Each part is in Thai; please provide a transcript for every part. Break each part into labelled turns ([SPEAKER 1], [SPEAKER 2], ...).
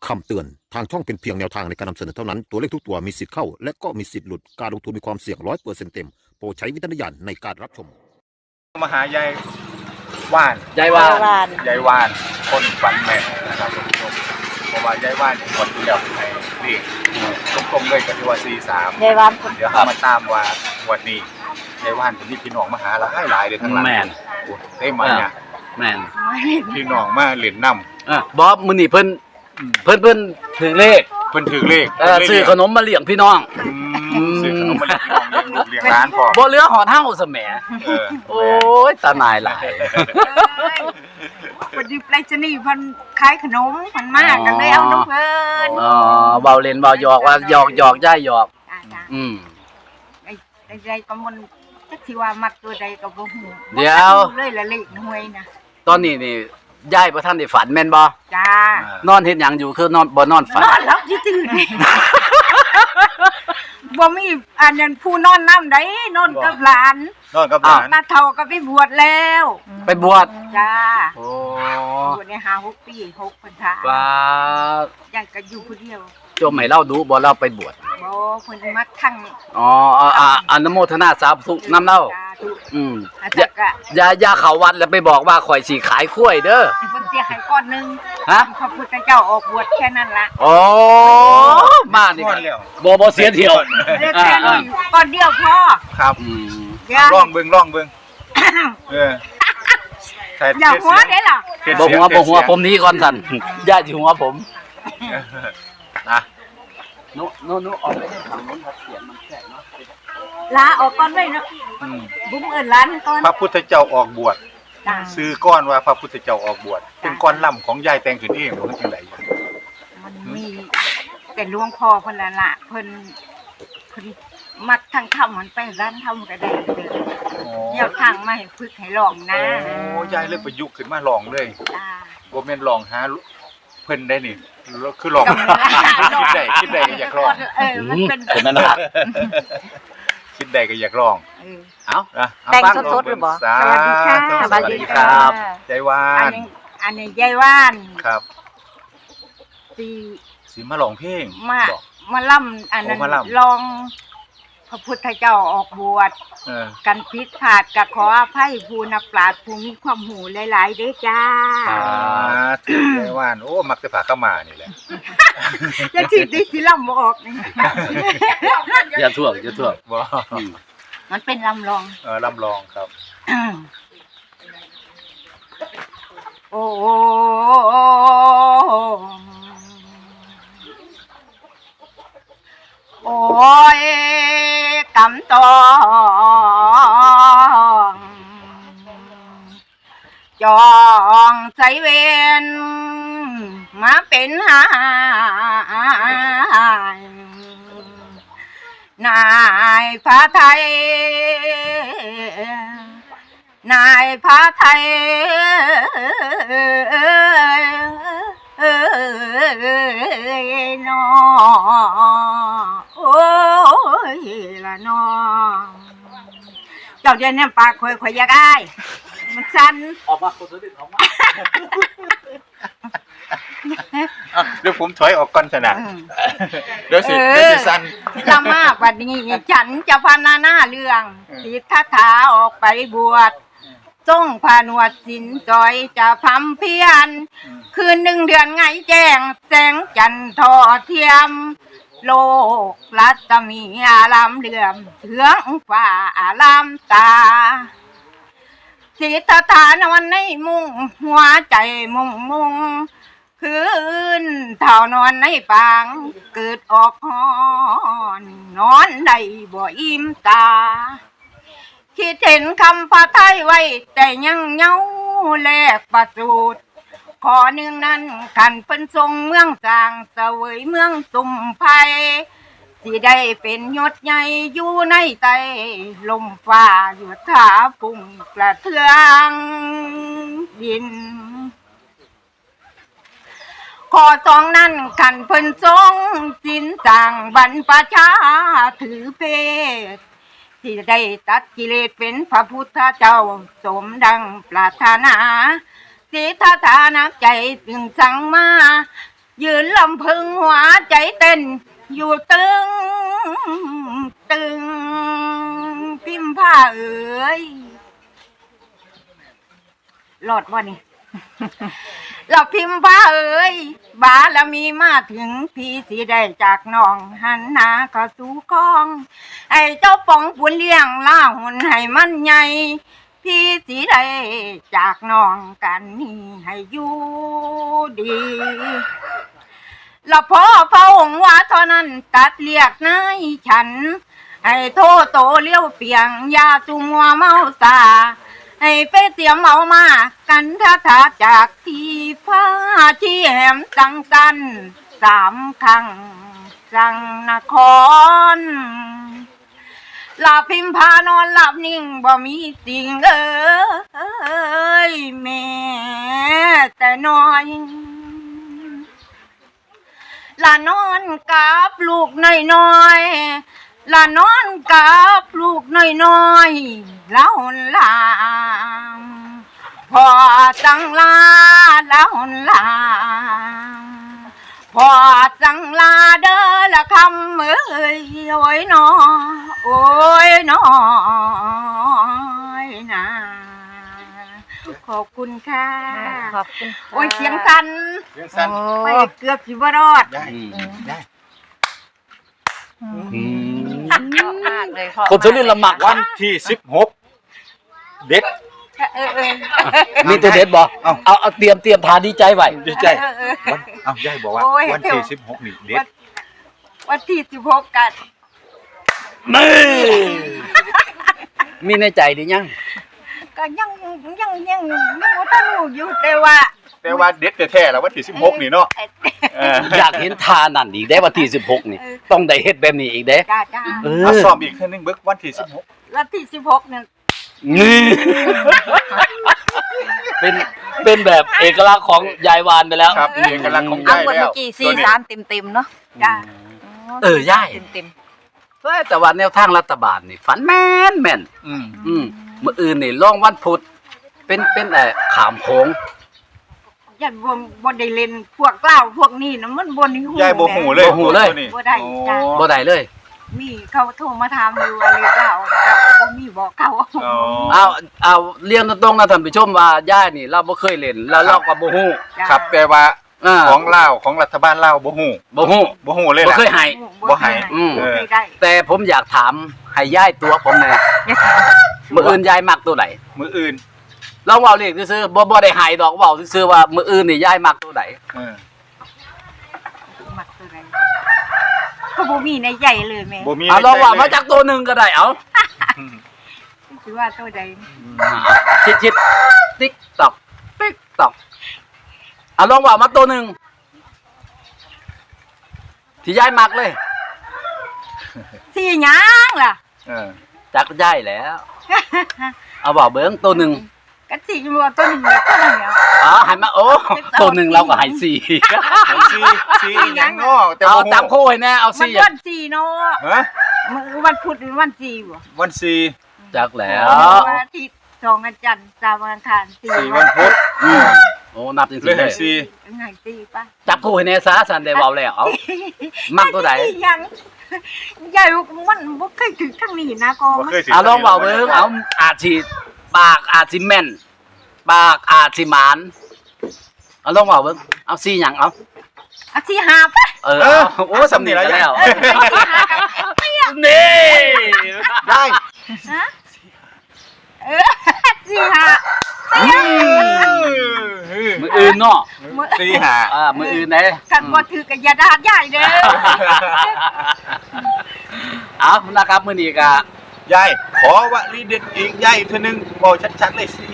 [SPEAKER 1] คำเตือนทางช่องเป็นเพียงแนวทางในการนำเสนอเท่านั้นตัวเลขทุกตัวมีสิทธิ์เข้าและก็มีสิทธิ์หลุดการลงทุนมีความเสี่ยง100%เต็มโปรดใช้วิจารณญาณในการรับชม
[SPEAKER 2] มาหายายว่าน
[SPEAKER 3] ยายว่าน
[SPEAKER 2] ยายว่านคนฝันแม่นนะครับท่านผู้ชมเพราะว่ายายว่านคนที่แล้วให้เลขตรงๆเลยกับที่ว่า43
[SPEAKER 3] ยายว่าน
[SPEAKER 2] เดี๋ยวมาตามว่าวันนี้ยายว่านเป็นที่พี่น้องมาหาหลายเลยทั้งหลัง
[SPEAKER 3] แม่น
[SPEAKER 2] ได้มาเนี่ย
[SPEAKER 3] แม่น
[SPEAKER 2] พี่น้องมาเล่นน้
[SPEAKER 3] ำบอสมื้อนี้เพิ่นถึงเลข
[SPEAKER 2] เพิ่นถือเลข
[SPEAKER 3] ซื้อขนมมาเลี้ยงพี่น้อง
[SPEAKER 2] ซื้อขนมมาเลี้ยงพี่น้องเลี้ยงลูกเลี้ยงร้านพอ
[SPEAKER 3] บ่เหลือหอดเฮาซะแหมโอ้ยตาหนายหลาย
[SPEAKER 4] พอดีไปรษณีย์เพิ่นขายขนมเพิ่นมาก็เลยเอาน้ำเพิ่น
[SPEAKER 3] เว้าเล่นเว้าหยอกว่าหยอกย้ายหยอก
[SPEAKER 4] ใดก็มันจักสิว่ามักตัวใดก็บ่ฮู้
[SPEAKER 3] เดี๋ยว
[SPEAKER 4] เลยละเลขหวยนะ
[SPEAKER 3] ตอนนี้นี่ยายบ่ทันได้ฝันแม่นบ่
[SPEAKER 4] จ้าน
[SPEAKER 3] อนเฮ็ดหยังอยู่คือนอนบ่นอนฝัน
[SPEAKER 4] นอนหลับสิตื่นบ่มีอันนั้นผู้นอนนำได้นอนกับหลานตาเฒ่าก็ไปบวชแล้ว
[SPEAKER 3] ไปบวช
[SPEAKER 4] จ้า
[SPEAKER 3] โอ้
[SPEAKER 4] บวชได้5-6 ปี6พรรษา
[SPEAKER 3] ว่า
[SPEAKER 4] ยังก็อยู่ผู้เดียว
[SPEAKER 3] โจมให้เราดูบ่เราไปบวช
[SPEAKER 4] บ่เพิ่นมาทั้ง
[SPEAKER 3] อนุโมทนาสาธุนำเล่าอย่าเข้าวัดแล้วไปบอกว่าข่อยสิขายกล้วยเด้อ
[SPEAKER 4] เพิ่นสิให้ก้อนนึง
[SPEAKER 3] ฮะ
[SPEAKER 4] พระพุทธเจ้าออกบวชแค่นั้นล่ะ
[SPEAKER 3] อ๋อมานี่บ่เสียเที่ยว
[SPEAKER 4] แค่นี้ก้อนเดียวพอ
[SPEAKER 2] ครับลองเบิ่ง
[SPEAKER 4] อย่าหัวได้ล่ะ
[SPEAKER 3] บ่หัวผมนี้ก่อนสั่นอย่าสิหัวผมนะนุออกไปได้ทางโน้นครับเสียงมันแฉะเนาะ
[SPEAKER 4] ลาออกก่อนไว้เนาะบุ้มเอิ้นร้านก่อน
[SPEAKER 2] พระพุทธเจ้าออกบวชซื้อก้อนว่าพระพุทธเจ้าออกบวชเป็นก้อนล่ำของยายแต่งขึ้นเองบ่จังได๋
[SPEAKER 4] มันมีเป็นหลวงพ่อเพิ่นล่ะเพิ่นมักทางธรรมมันไปร้านธรรมก็ได้เด้อเดี๋ยวทางมาให้ฝึกให้ลองนะ
[SPEAKER 2] โอ้ยายเลยประยุกต์ขึ้นมาลองเลยบ่แม่นลองหาเพิ่นได้นี่คือลองคิดได้ก็อยากลอง
[SPEAKER 4] มันเป็น
[SPEAKER 3] นั่นน่ะ
[SPEAKER 2] คิดได้ก็อยากลองเอา
[SPEAKER 4] แต่งสดๆหรือบ่
[SPEAKER 3] สวัสดีครับ
[SPEAKER 2] ยายว่าน
[SPEAKER 4] อันนี้ยายว่าน
[SPEAKER 2] ครับสิมาร้องเพลง
[SPEAKER 4] มาล่ำอันนั้นลองพระพุทธเจ้าออกบวชกันผิดพลาดก็ขออภัยผู้นักปราชญ์ผู้มีความรู้หลายๆเด้อจ้า
[SPEAKER 2] ถือยายว่านโอ้มักจะผ่าเข้ามานี่แหละ
[SPEAKER 4] จะสิล่ำบ่ออกนี่
[SPEAKER 3] อย่าท่วง
[SPEAKER 2] บ่
[SPEAKER 4] มันเป็นลำลอง
[SPEAKER 2] ลำลองครับ
[SPEAKER 4] โอ้โอ้ยกำตองจองใจเวนมาเป็นหายนายพระไทยนายพระไทยน้อโอ้ยละน้อเจ้าเดี๋ยวนี้ปากข่อยอยากได้มันสั่น
[SPEAKER 3] ออกมาคนสุดออกมา
[SPEAKER 2] เดี๋ยวผมถอยออกก่อนชนะเดี๋ยวสิสั่น
[SPEAKER 4] ละมากวันนี้ฉันจะพรรณนาเรื่องสิทธัตถะออกไปบวชทรงผนวดสินจอยจะพำเพียรคืน1 เดือนไงแจ้งแสงจันทร์ทอเทียมโลกรัตมีอารามเหลื่อมเถืองฟ้าอารามตาสิทธัตถะนอนในมุ้งหัวใจมุงคืนเท่านอนในปางเกิดออกหอนนอนได้บ่อิ่มตาคิดเห็นคำพระไทยไว้แต่ยังเงาแลกประสูตรขอหนึ่งนั้นขันเป็นทรงเมืองจางเสวยเมืองตุ่มไผ่ที่ได้เป็นยศใหญ่อยู่ในใจลมฟ้าอยู่ท่าปุ่งกระเทืองดินขอ2นั้นขันเพิ่นทรงสินจางบรรพชาถือเพศ ที่ได้ตัดกิเลสเป็นพระพุทธเจ้าสมดังปรารถนาสิทธานักใจจึงสั่งมายืนลำพึงหัวใจเต้นอยู่ตึงตึงพิมพ์ผ้าเอ๋ยหลอดบ่นี่ เราพิมพ์ผ้าเอ๋ยบารมีมาถึงพี่สิได้จากน้องหันหน้าเข้าสู่คลองไอ้เจ้าป๋องปุนเลี้ยงล่าหุ่นให้มันใหญ่พี่สิได้จากน้องกันนี่ให้อยู่ดีแล้วพอพระองค์ว่าเท่านั้นตัดเรียกนายฉันให้โทโตเลี้ยวเปียงยาจุมัวเมาสาให้ไปเตรียมเอามากันท่าทาจากที่ฟ้าที่แหมจังสัน3 ครั้งจังนครหลับพิมพานอนหลับนิ่งบ่มีสิ่งเอ้ยแม่แต่น้อยละนอนกับลูกน้อยๆละนอนกับลูกน้อยๆแล้วลางพอจังลาแล้วลางพอจังลาเด้อละคำเอ้ยโอ้ยน้อโอ้ยน้อยนะขอบคุณค่ะ
[SPEAKER 5] ขอบคุณค่ะ
[SPEAKER 4] โอ้ยเสียงสั่น
[SPEAKER 2] เรื่องสั้น
[SPEAKER 4] ไปเกือบสิบ่รอด
[SPEAKER 2] ได้ได้
[SPEAKER 5] ชอบมากเลยพ่อ
[SPEAKER 3] คนสุรินทร์ละหมัก
[SPEAKER 2] วันที่16เด็ด
[SPEAKER 3] มีตัวเด็ดบ่เอาเตรียมทานดีใจไว้
[SPEAKER 2] ดีใจวันยายบอกว่า
[SPEAKER 4] โอ้ย
[SPEAKER 2] วันที่16นี่เด็ด
[SPEAKER 4] วันที่16กัน
[SPEAKER 3] นี่มีในใจดิยัง
[SPEAKER 4] ก็ยังบ่ทันรู้อยู่แต่ว่า
[SPEAKER 2] แต่ว่าเด็ดแท้ๆแล้ววันที่16นี่เนาะเออ
[SPEAKER 3] อยากเห็นทานั่นอีกได้วันที่16นี่ต้องได้เฮ็ดแบบนี้อีกเด้
[SPEAKER 4] จ้า
[SPEAKER 2] เอาซ้อมอีกเทื่อนึงเบิกวันที่16
[SPEAKER 4] วันที่16นี่
[SPEAKER 3] นี่เป็นแบบเอกลักษณ์ของยายวานไปแล้ว
[SPEAKER 2] ครับเอกลักษณ์ของ
[SPEAKER 5] เอา
[SPEAKER 2] ยาย
[SPEAKER 5] หมด
[SPEAKER 2] แล้
[SPEAKER 5] เมื่
[SPEAKER 2] ว
[SPEAKER 5] อกี้43เต็มๆเนาะ
[SPEAKER 4] จ้า
[SPEAKER 3] ย่าย
[SPEAKER 5] เต็ม
[SPEAKER 3] แต่ว่าแนวทางรัฐบาลนี่ฝันแม่น
[SPEAKER 2] อืม
[SPEAKER 3] มื้ออื่นนี่ลองวันพุธเป็นขามโขง
[SPEAKER 4] ยันบ่ได้เล่นพวกเหล้าพวกนี้นะมันบ่ได้ฮู้
[SPEAKER 2] ยายบ่ฮู้เลย
[SPEAKER 3] บ่ฮู้เลย
[SPEAKER 2] ตัวนี้
[SPEAKER 4] บ่ได้จ้า
[SPEAKER 3] บ่ได้เลย
[SPEAKER 4] มีเขาโทรมาถามอยู่ว่าเลขเหล้าแต่บ่มีบอกเขา
[SPEAKER 2] อ๋อ
[SPEAKER 3] เอาเรียนตรงๆนะท่านผู้ชมว่าย่ายนี่เราบ่เคยเล่นแล้วเราก็บ่ฮู้
[SPEAKER 4] จ้า
[SPEAKER 2] ครับแต่ว่า
[SPEAKER 3] อ่า
[SPEAKER 2] ของลาวของรัฐบาลลาวบ่ฮู้
[SPEAKER 3] บ่ฮู้
[SPEAKER 2] บ่ฮู้เลย
[SPEAKER 3] บ่
[SPEAKER 2] ล่ะ
[SPEAKER 3] เคยให้
[SPEAKER 2] บ่ให้
[SPEAKER 3] อืม
[SPEAKER 4] บ่เคยได้
[SPEAKER 3] แต่ผมอยากถามให้ย่ายตัวผมแน่
[SPEAKER 5] ๆอย่าถาม
[SPEAKER 3] มื้ออื่นย่ายมักตัวไหน
[SPEAKER 2] มื้ออื่น
[SPEAKER 3] ลองเว้าเลขซื่อๆบ่ได้ให้ดอกเว้าซื่อๆว่ามื้ออื่นนี่ย่ายมักตัวไหน
[SPEAKER 2] เออ
[SPEAKER 4] มักตัวใดก็บ่มีในใจเลยแม่
[SPEAKER 2] บ่มี
[SPEAKER 3] เอาลองว่า
[SPEAKER 2] ในใจ
[SPEAKER 3] มาจากตัวหนึงก็ได้เอา
[SPEAKER 4] สิว่าตัวใด
[SPEAKER 3] ชิดติ๊กตอกติ๊กตอกเอาลองว่ามาตัวหนึงที่ย่ายมักเลย
[SPEAKER 4] สิหยังล่ะ
[SPEAKER 2] เออ
[SPEAKER 3] จักย่ายแล้ว เอาบอกเบิ้งตัวหนึ่ง
[SPEAKER 4] ก็สิว่าตัวหนึงแล้วตัวหนึงแล้ว
[SPEAKER 3] อ๋อให้มาโอ้ตัวหนึ่งเราก็ให้สี่
[SPEAKER 2] ไอ้ซีอีหยังเนาะแต่
[SPEAKER 3] เอา
[SPEAKER 2] บ่ฮู้
[SPEAKER 3] จับคู่ให้แน่เอา
[SPEAKER 4] มัน
[SPEAKER 3] สี่
[SPEAKER 4] วัน4เนาะ
[SPEAKER 2] ฮะ
[SPEAKER 4] มื้อวันพุธหรือวัน4บ่
[SPEAKER 2] วันซี
[SPEAKER 3] จักแล้ว
[SPEAKER 4] วันอาทิตย์2วันจันทร์3วันอังคาร
[SPEAKER 2] สี่
[SPEAKER 4] 4
[SPEAKER 2] วันพุธ
[SPEAKER 3] อืมโอ้นับจริง
[SPEAKER 2] เลย
[SPEAKER 3] ๆเล
[SPEAKER 2] ให้
[SPEAKER 3] ย
[SPEAKER 2] ซี
[SPEAKER 4] ไงตีป่ะ
[SPEAKER 3] จับคู่ให้แน่ซะสันได้เบาแล้วเอามักตัวไหน
[SPEAKER 4] ยังใหญ่มันบ่เคยถึงทางนี้นะก็
[SPEAKER 2] บ่เคยสิ
[SPEAKER 3] เอาลองเบาเบิ้งเอาอาจสิปากอาจสิแม่นปากอาจสิหมานเอาลองเบาเบิ้งเอาสี่หยังเอา
[SPEAKER 4] อาที่หาป่ะ
[SPEAKER 3] เออเอาโอ้สำเนียงกันแล้วนี่
[SPEAKER 2] ได้
[SPEAKER 4] ฮะที่หา
[SPEAKER 3] มืออื่นเนาะ
[SPEAKER 2] ซีหา
[SPEAKER 3] มืออื่นไหน
[SPEAKER 4] กันบ่ถือกับยาดาดใหญ่เด้อ
[SPEAKER 3] เอานะครับมื้อนี้ก็
[SPEAKER 2] ยายขอวลีเด็ดอีกยายเทื่อนึงบอกชัดๆเลยสิ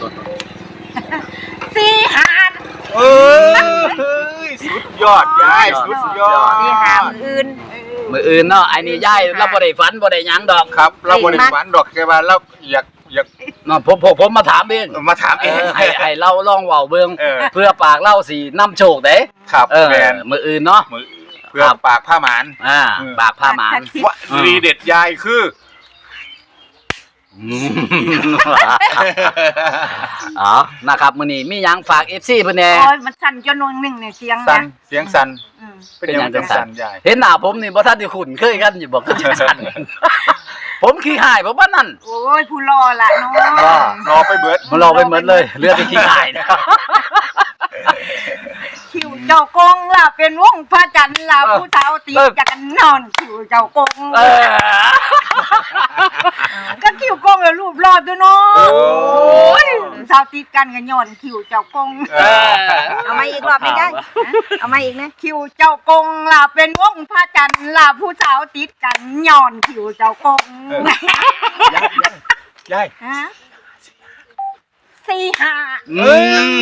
[SPEAKER 4] ที่หา
[SPEAKER 2] เอ้ยสุดยอดยายสุดยอด
[SPEAKER 5] สิหามื้ออื่น
[SPEAKER 3] มื้ออื่นเนาะไอ้นี่ยายเราบ่ได้ฝันบ่ได้หยังดอก
[SPEAKER 2] ครับเราบ่ได้ฝันดอกแค่ว่าเราอยาก
[SPEAKER 3] เนาะผมมาถามเอง
[SPEAKER 2] มาถามเอง
[SPEAKER 3] ให้เราลองเว้าเบิ่ง
[SPEAKER 2] เออ
[SPEAKER 3] เพื่อปากเล่าสินำโชคเด้
[SPEAKER 2] ครับ
[SPEAKER 3] แม่นมื้ออื่นเนาะ
[SPEAKER 2] มือเพื่อปากผ้าหมาน
[SPEAKER 3] ปากผ้าหมาน
[SPEAKER 2] วลีเด็ดยายคือ
[SPEAKER 3] อ๋อนะครับมื้อนี้มีหยังฝาก FC เพิ่นแหน่
[SPEAKER 4] โอ้ยมันสั่นจนวันหนึ่งเนี่ยเสียง
[SPEAKER 2] สั่
[SPEAKER 4] นะ
[SPEAKER 2] นเสียงสั่น
[SPEAKER 4] อืม
[SPEAKER 2] เป็นหยังจังสั่นยาย
[SPEAKER 3] เห็นหน้าผมนี่บ่ทันได้คุ้นเคยกันอยู่บ่ก็จังซั่นผมขี้หายบ่ว่านั่น
[SPEAKER 4] โอ้ยผู้รอละเนาะ
[SPEAKER 2] รอไปเบิด
[SPEAKER 3] มันรอไปเหมือนเลยเหลือแต่ขี้หายนะ
[SPEAKER 4] คิวเจ้ากงล่ะเป็นวงพระจันทร์ล่ะผู้เฒ่าตีจักรนอนคิวเจ้ากง
[SPEAKER 3] เออ
[SPEAKER 4] ก็คิวกงแล้วรูปรอดด้วยเนาะโอ้ยเฒ่าติดกันกันย้อนคิวเจ้ากง
[SPEAKER 3] เออ
[SPEAKER 5] เอามาอีกรอบไม่ได้เอามาอีกนะ
[SPEAKER 4] คิวเจ้ากงล่ะเป็นวงพระจันทร์ล่ะผู้เฒ่าติดกันย้อนคิวเจ้ากง
[SPEAKER 2] ยาย
[SPEAKER 4] ฮะสี่ห้า
[SPEAKER 3] อืม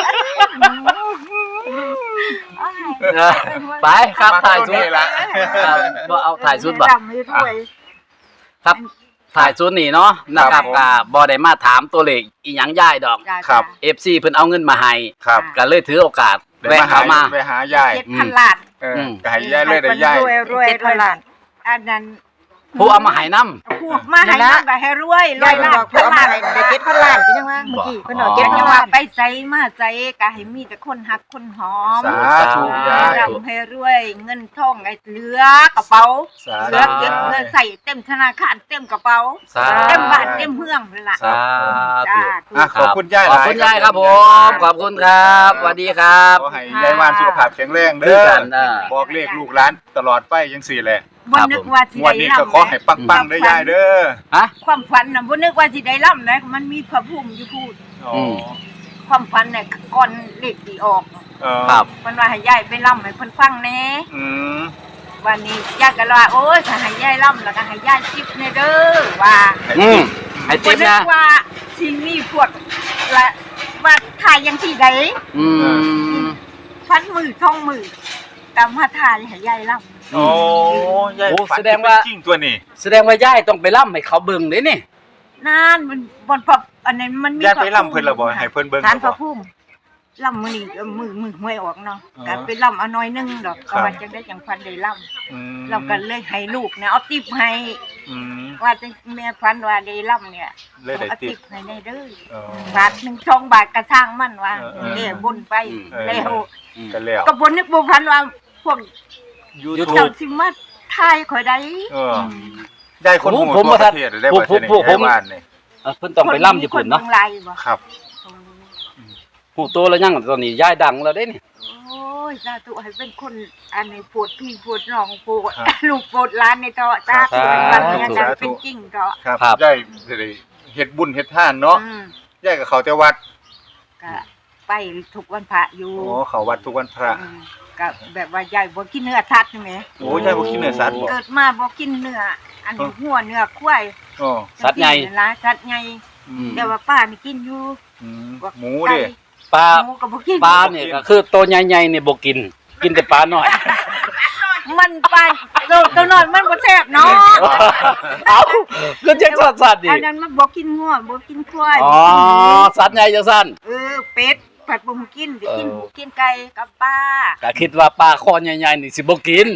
[SPEAKER 3] ไปครับถ่ายชุด
[SPEAKER 2] ละ
[SPEAKER 3] ครับบ่เอาถ่ายชุดบ่
[SPEAKER 4] จำไม่ด้วย
[SPEAKER 3] ครับถ่ายชุดนี่เนาะนะครับก็บ่ได้มาถามตัวเลขอีหยังย่ายดอก
[SPEAKER 2] ครับ
[SPEAKER 3] FC เพิ่นเอาเงินมาให้
[SPEAKER 2] ครับ
[SPEAKER 3] ก็เลยถือโอกาสแวะเข้ามา
[SPEAKER 2] ไปหายาย
[SPEAKER 4] 7,000 ล้าน
[SPEAKER 2] ก็ให้ยายเลยได้ยาย
[SPEAKER 4] รวย
[SPEAKER 5] 7,000 ล้าน
[SPEAKER 4] อันนั้น
[SPEAKER 3] ผู้เอามาให้นำ
[SPEAKER 4] พูดมาให้น้ำก็ให้รวยร
[SPEAKER 5] ยา
[SPEAKER 4] วย ย
[SPEAKER 5] เพิ่น
[SPEAKER 4] ล้า
[SPEAKER 5] บอกเพิ่นเอามาให้ได้7,000 ล้านเป็นยังว่าเมื่อกี้เพิ่นบอก
[SPEAKER 4] เก็บ
[SPEAKER 5] 7,000
[SPEAKER 4] จังห
[SPEAKER 5] ล้า
[SPEAKER 4] ว่าน ไปใจมาใจก็ให้มีแต่คนหักคนหอม
[SPEAKER 2] สาธุยาย
[SPEAKER 4] ร่ำให้รวยเงินทองไอ้เหลือกระเป๋า
[SPEAKER 2] สา
[SPEAKER 4] เหลือเก็บเงินใส่เต็มธนาคารเต็มกระเป๋า
[SPEAKER 3] สา
[SPEAKER 4] เต็มบ้านเต็มเมืองเลยล่ะ
[SPEAKER 3] สาธุ
[SPEAKER 4] จ้า
[SPEAKER 2] อ่ะขอบคุณยาย
[SPEAKER 3] ขอบคุณยายครับผมขอบคุณครับสวัสดีครับ
[SPEAKER 2] ขอให้ยายวานสุขภาพแข็งแรง
[SPEAKER 3] คื
[SPEAKER 2] เด้
[SPEAKER 3] อ
[SPEAKER 2] อ
[SPEAKER 3] กัน
[SPEAKER 2] บอกเลขลูกหลานตลอดไปยังสี่แหละ
[SPEAKER 4] บ่นึกว่าสิ
[SPEAKER 2] งวัน
[SPEAKER 4] ได้
[SPEAKER 2] นี้
[SPEAKER 4] ร่ำ
[SPEAKER 2] ก็ขอให้ปังๆเด้อยายเด้อ
[SPEAKER 3] ฮะ
[SPEAKER 4] ความฝันน่ะบ่นึกว่าสิได้ร่ำนะมันมีพระภูมิอยู่พูด
[SPEAKER 2] อ๋อ
[SPEAKER 4] ความฝันเนี่ยก่อนเลขสิออก
[SPEAKER 3] ครับ
[SPEAKER 4] มันว่าให้ยายไปร่ำให้เพิ่นฟังแหน่
[SPEAKER 2] อืม
[SPEAKER 4] วันนี้ยายก็เลยว่าโอ้ยถ้าให้ยายร่ำแล้วก็ให้ยายจิบแน่เด้อว่า
[SPEAKER 3] อืมให้
[SPEAKER 4] บ่
[SPEAKER 3] ติ๊บ
[SPEAKER 4] นึ
[SPEAKER 3] นะ
[SPEAKER 4] กว่าสิมีพวกละว่าถ่ายยังที่ใด
[SPEAKER 3] อืม
[SPEAKER 4] พันมือท่องมือตามมาถ่ายให้ยายร่ำ
[SPEAKER 2] โอ้ยาย
[SPEAKER 3] โอ้
[SPEAKER 2] ฝัน
[SPEAKER 3] แสดงว่า
[SPEAKER 2] จริงตัวนี้
[SPEAKER 3] แสดงว่าย่ายต้องไปล่ำให้เขาเบิ่งเด้นี่
[SPEAKER 4] นั่นมันบนพระอันนั้นมันมี
[SPEAKER 2] ยายไปร่ำเพิ่นและบ่ให้เพิ่นเบิ่ง
[SPEAKER 4] ทานพ
[SPEAKER 2] บ่
[SPEAKER 4] ระภูมิร่ำมื้อนี้ก็มือหวยออกเนาะ
[SPEAKER 2] อ๋อ
[SPEAKER 4] ก็ไปร่ำเอาน้อยนึงดอก
[SPEAKER 2] ครั
[SPEAKER 4] ก็
[SPEAKER 2] บ
[SPEAKER 4] ว่าจังได้จังพันได้ร่
[SPEAKER 2] อืม
[SPEAKER 4] ำเราก็เลยให้ลูกเนี่ยเอาติ๊บให้
[SPEAKER 2] อืม
[SPEAKER 4] ว่าจังแม่พันว่าได้ร่ำเนี่ย
[SPEAKER 2] เลยได้
[SPEAKER 4] เอา
[SPEAKER 2] ติ
[SPEAKER 4] ติ๊
[SPEAKER 2] ด
[SPEAKER 4] บให้ได้เด้อ
[SPEAKER 2] อ๋อ
[SPEAKER 4] บาทหนึ่งช่องบาทกระช่างมันว่า
[SPEAKER 2] เออ
[SPEAKER 4] เด้บนไป
[SPEAKER 2] เออ
[SPEAKER 4] แล้ว
[SPEAKER 2] กันแล้ว
[SPEAKER 4] ก็บนนึกบ่พันว่าพวก
[SPEAKER 2] YouTube
[SPEAKER 4] เจ้าสิมาถ่ายข่อยได้
[SPEAKER 2] เออ ได้คนหมู่
[SPEAKER 3] ผม
[SPEAKER 2] ทั่ว
[SPEAKER 3] บ่
[SPEAKER 2] ป
[SPEAKER 3] ทัน
[SPEAKER 2] ระเทศได้
[SPEAKER 3] ผม
[SPEAKER 2] ประเทศนี้
[SPEAKER 3] ผม
[SPEAKER 2] ได้บ้านนี่
[SPEAKER 3] เพิ่นต้องไปล่ำญี่ปุ่นเนาะ
[SPEAKER 4] คบิ่งไลน์บ่
[SPEAKER 2] ครับ
[SPEAKER 3] หูโตแล้วยังตอนนี้ย่ายดังแล้วเด้นี่
[SPEAKER 4] โอ้ยสาธุให้เป็นคนอันนี้ปวดพี่ปวดน้องปวด
[SPEAKER 2] ครับ
[SPEAKER 4] ลูกปวดหล้านในเตาะจ้า
[SPEAKER 2] ครับ
[SPEAKER 4] วันนี้อาจาร
[SPEAKER 2] สา
[SPEAKER 4] ย์
[SPEAKER 2] ธุ
[SPEAKER 4] เป็นจริงเตาะ
[SPEAKER 2] ครับ
[SPEAKER 3] ครับ
[SPEAKER 2] ได้ได้เฮ็ดบุญเฮ็ดทานเนาะ
[SPEAKER 4] อืม
[SPEAKER 2] ยายกับเขาแต่วัด
[SPEAKER 4] ก็ไปทุกวันพระอยู่
[SPEAKER 2] โอ้เขาวัดทุกวันพระ
[SPEAKER 4] อืมก็แบบว่ายายบ่กินเนื้อสัตว์ใช่ไหม
[SPEAKER 2] โอ้ยายบ่กินเนื้อสัตว์บ่
[SPEAKER 4] เกิดมาบ่กินเนื้ออันนี้หัวเนื้อควาย
[SPEAKER 2] โอ้
[SPEAKER 3] สัตว์ใหญ่
[SPEAKER 4] กินหลายสัตว์ใหญ่
[SPEAKER 2] อืม
[SPEAKER 4] แต่ว่าป้านี่กินอยู่
[SPEAKER 2] อืม
[SPEAKER 4] พวก
[SPEAKER 2] หมูเด้
[SPEAKER 3] ปลา
[SPEAKER 4] หมูก็บ่กิน
[SPEAKER 3] ปลาเนี่ยก็คือตัวใหญ่ๆนี่บ่กิน กินแต่ปลาน้อย
[SPEAKER 4] มันปลาตัวน้อยมันบ่แซ่บเนาะ
[SPEAKER 3] เอ้าก็จังสัตว์ดิ
[SPEAKER 4] อันนั้นมันบ่กินงัวบ่กินควาย
[SPEAKER 3] อ๋อสัตว์ใหญ่จังซั่น
[SPEAKER 4] เป็ดผัดบ่กินได้กินหมูกินไก่กับปลา
[SPEAKER 3] ก็คิดว่าปลาคอใหญ่ๆนี่สิบ่กิน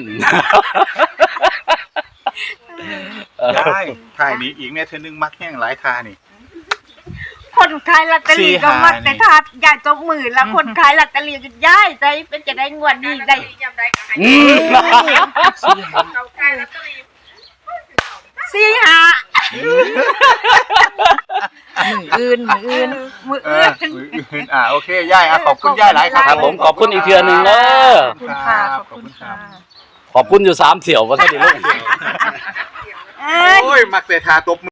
[SPEAKER 2] ได้ท่ายนี้อีกเนี่ยเธอนึงมักแห้งหลายทานี่
[SPEAKER 4] คนขายลอตเตอรี่ก็มักแต่ทาดยายตบมือแล้วคนขายลอตเตอรี่ก็ย้ายใจเป็นจะได้งวดนี้ได้
[SPEAKER 3] อืม
[SPEAKER 4] สี่ห้า
[SPEAKER 5] อื่นอื่น
[SPEAKER 4] มือ
[SPEAKER 2] เอ
[SPEAKER 4] อื่
[SPEAKER 2] อน โอเคยายขอบคุณยายหลายครับ
[SPEAKER 3] ครับผมขอบคุณอีกเทื่อหนึงเด้อ
[SPEAKER 5] ขอบคุณค่ะขอบคุณค่ะ
[SPEAKER 3] ขอบคุณอยู่3เที่ยวว่าซั่นดิลูก
[SPEAKER 4] เอ้ย
[SPEAKER 2] โอ้ยมักแต่ทาตบ